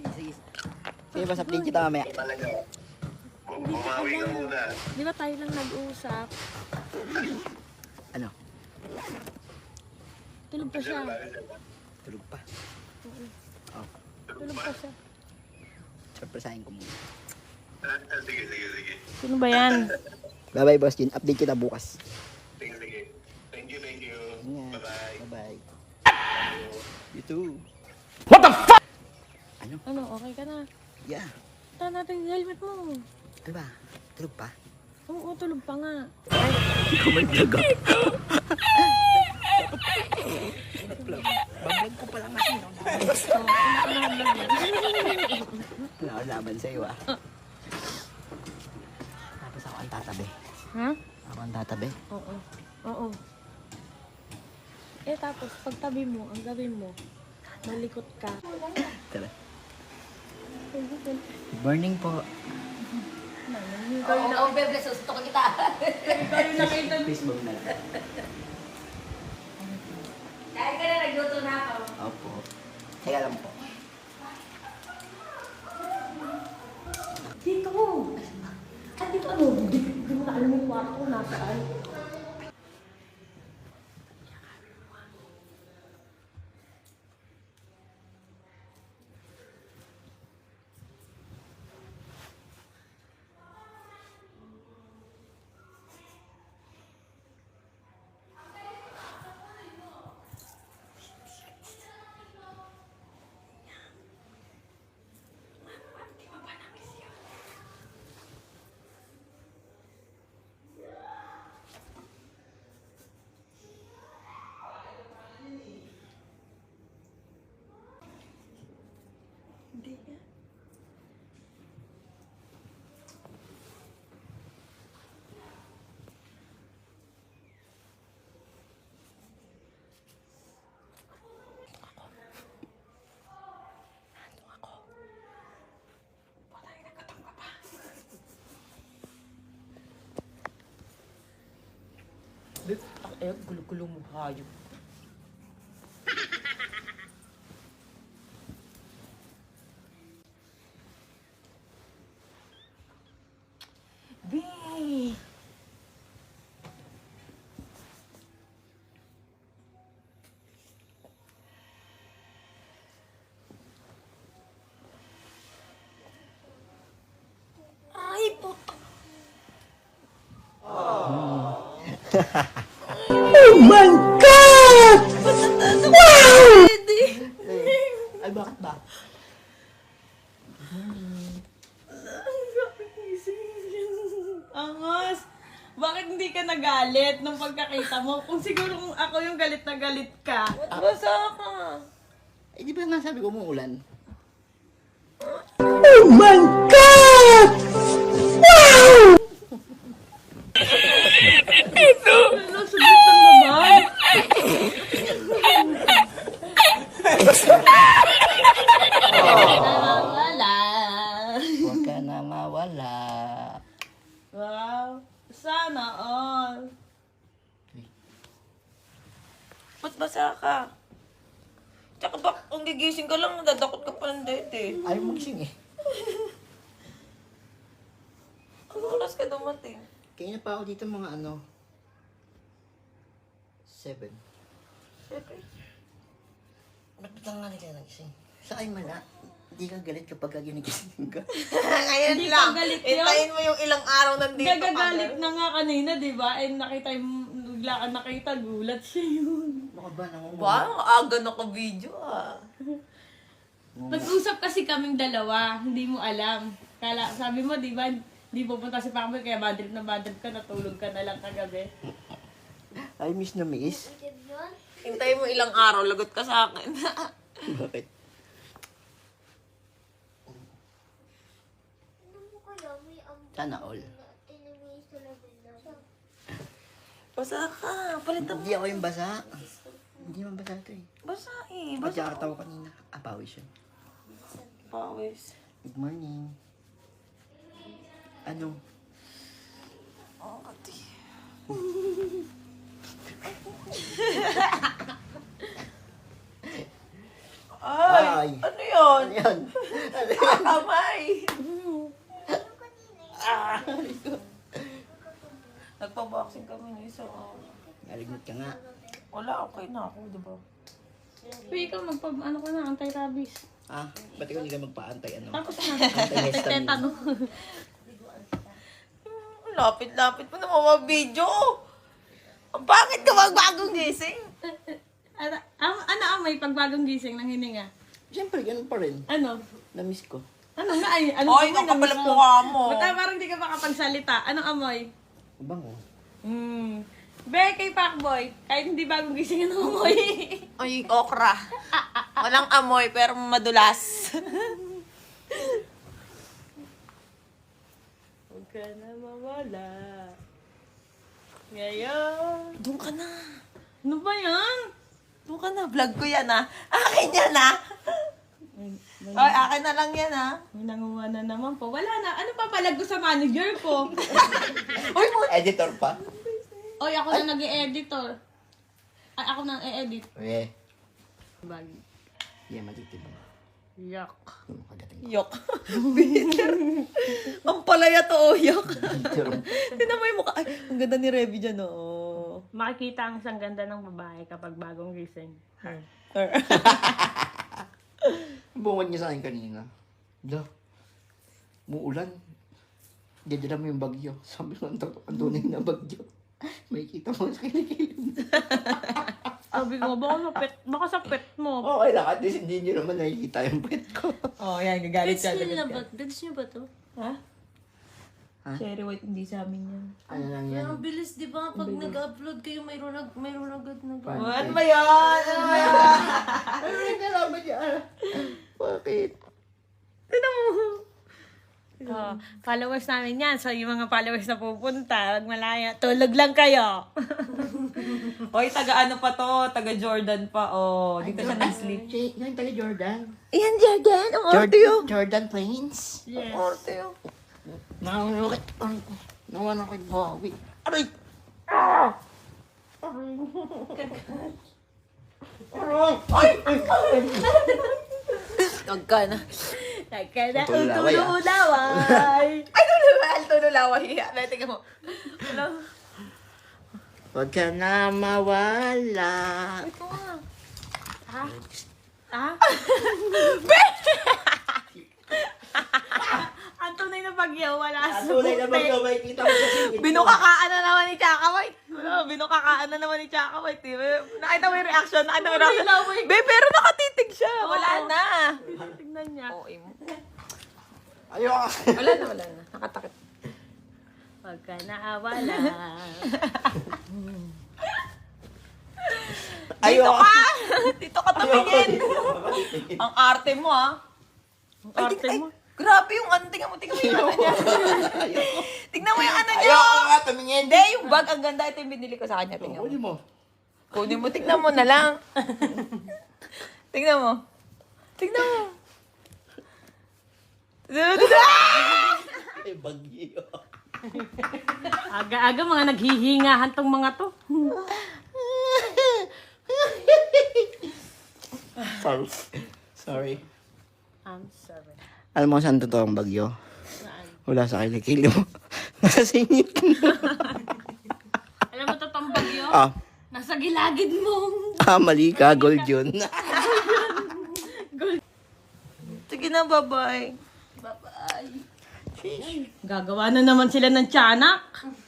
sige. Sige, basta update kita mamaya. Hindi ko alam. Di ba tayo lang nag-uusap? Ano? Tulog pa siya. Tulog pa. Oh, Tulog pa siya. surprisein ko muna. Sige. Sino ba yan? Bye-bye, Boss Jin. Update kita bukas. Sige. Thank you. Ingat. Bye-bye. Bye-bye. You too. Ano, okay ka na? Yeah. Tara natin yung helmet mo. Ano ba? Tulog pa? Oo, tulog pa nga. Kumandaga. Babag ko pala kasi. Wala ko laban sa'yo ah. Tapos ako ang tatabi. Ha? Ako ang tatabi. Oo. Eh tapos, pagtabi mo, ang gawin mo, malikot ka. Tara. Good morning po. Oo, bebe, susto ko kita. Facebook na lang. Kaya ka na, nagluto na ako. Opo. Teka lang po. Dito! At dito ano? Hindi mo na alam yung kwarto ko nasaan. Gulo-gulo mo, hayop. Bee! Ay, puto. Ay, bakit ba? Angos! Bakit hindi ka nagalit nung pagkakita mo? Kung siguro kung ako yung galit na galit ka. Basa ka. Eh, di ba nga sabi ko umuulan? Ano, sulit lang naman. Nawawala. Huwag ka na mawala. Wow. Sana all. Ba't basa ka? Tsaka ba, kung gigising ka lang, nadadakot ka pa ng dede. Ayaw magising eh. Ano oras ka dumating? Kaya na pa ako dito mga ano. 7. Siyempre. Ba't nga nila nagising? Sa ay mala. Hindi ka galit kapag ginigising ka. Ngayon Hindi lang. pa galit yun. Hintayin mo yung ilang araw nandito ka. Gagagalit na nga kanina, di ba? Eh, nakita yung, bigla ka nakita, gulat siya yun. Ano ka ba? Ba, ang aga na ka video ah. Nag-usap kasi kaming dalawa, hindi mo alam. Kala, sabi mo, di ba, di pupunta si Pamela, kaya bad trip ka, natulog ka na lang kagabi. Ay, miss na miss. Hintayin mo ilang araw, lagot ka sa akin. Bakit? Sana all. Basa ka, palitan mo. Hindi ako yung basa. Hindi naman basa ito eh. Basa eh, Ba't basa. yakataw kanina? Ah, pawis yun. Pawis. Good morning. Ano? Oh, ati. Ay, Ay! ano yun? Ano yan? Kamay! Nagpa-boxing kami ng isa. Naligot ka nga. Wala, okay na ako, di ba? Pero ikaw ano ka na, anti-rabies. Ah, ba't ikaw hindi ka magpa-antay ano? Tapos na. Anti-histamine. Tetano. Lapit-lapit mo na mga video. Bakit ka magbagong gising? Ano amoy pag bagong gising ng hininga? Siyempre, ganun pa rin. Ano? Na-miss ko. Ano nga ay? Ano Ay, ang kapal ang mukha mo. Ba't parang di ka makapagsalita? Anong amoy? Bango. Be, kay Pacboy, kahit hindi bagong gising ang amoy. Ay, okra. Walang amoy, pero madulas. Huwag ka na mawala. Ngayon. Doon ka na. Ano ba yan? Doon ka na. Vlog ko yan, ha? Akin yan, ha? Ay, akin na lang yan, ha? May nanguha na naman po. Wala na. Ano pa palag ko sa manager ko? Uy, Editor pa? Oy, ako na nag-e-editor. Ay, ako na e-edit. Eh. Bagi. Yeah, matitibang. Yak. Makagating. yok. Ang palaya to, oh, yok. Tignan mo yung mukha. Ay, ang ganda ni Revy dyan, oh. Makikita ang isang ganda ng babae kapag bagong gising. Bungad niya sa akin kanina. Da. Muulan. Dadala mo yung bagyo. Sabi ko, ang tunay na bagyo. May kita mo sa kilikilin. Sabi ko, baka sa pet mo. Okay lang, at least hindi nyo naman nakikita yung pet ko. Oh, yan, gagalit Pets ka. nyo na ba? Pets nyo ba to? Ha? Ha? Cherry white, hindi sa amin yan. Ano lang yan? Ang bilis, di ba? Pag nag-upload kayo, mayroon agad na Pan- Oh, ano ba yan? Ano ba yan? Ano yung kalaban niya? Bakit? Followers namin yan. So, yung mga followers na pupunta, wag malaya. Tulog lang kayo. Hoy, taga ano pa to? Taga Jordan pa, oh. Dito siya nag-sleep. Yung taga Jordan. Iyan, Jordan. Ang arte yun. Jordan Plains. Yes. Ang arte yun. Nakunukit. Nawan ako yung bawi. Aray! Huwag ka na. Nagkana Tululaway, ah. utululaway. Ay, tululaway. Tululaway. Ay, tingnan mo. Hello. Huwag ka na mawala. Ito nga. Ha? Ang tunay na bagyo, wala sa Tunay na bagyo, may kita mo sa singit. Binukakaan na naman ni Chaka White. Binukakaan na naman ni Chaka White. Nakita mo yung reaction? Nakita mo yung reaction? Be, pero nakatitig siya. Wala Oo. na. Tingnan niya. Oo, mo. Ayoko. Wala na. Nakatakit. Huwag ka na awala. Dito Ayoko. ka! Dito ka tumingin. Ayoko. Ang arte mo, ha? Ang arte mo. Grabe yung ano. Tingnan mo yung ano niya. Tingnan mo yung ano niya. Ayoko nga tumingin. Hindi, yung bag. Ang ganda. Ito yung binili ko sa kanya. Tingnan Huli mo. mo. Kunin mo. Tingnan mo na lang. Tingnan mo. Tingnan mo. Ay, bagyo. Aga-aga mga naghihingahan tong mga to. Sorry. Sorry. I'm sorry. Alam mo saan totoo ang bagyo? Saan? Wala sa kilikili mo. Nakasingit ka na. Alam mo totoong bagyo? Ah, Nasa gilagid mo. mali ka. Gold yun. Sige na, bye-bye. Bye-bye. Gagawa na naman sila ng tiyanak.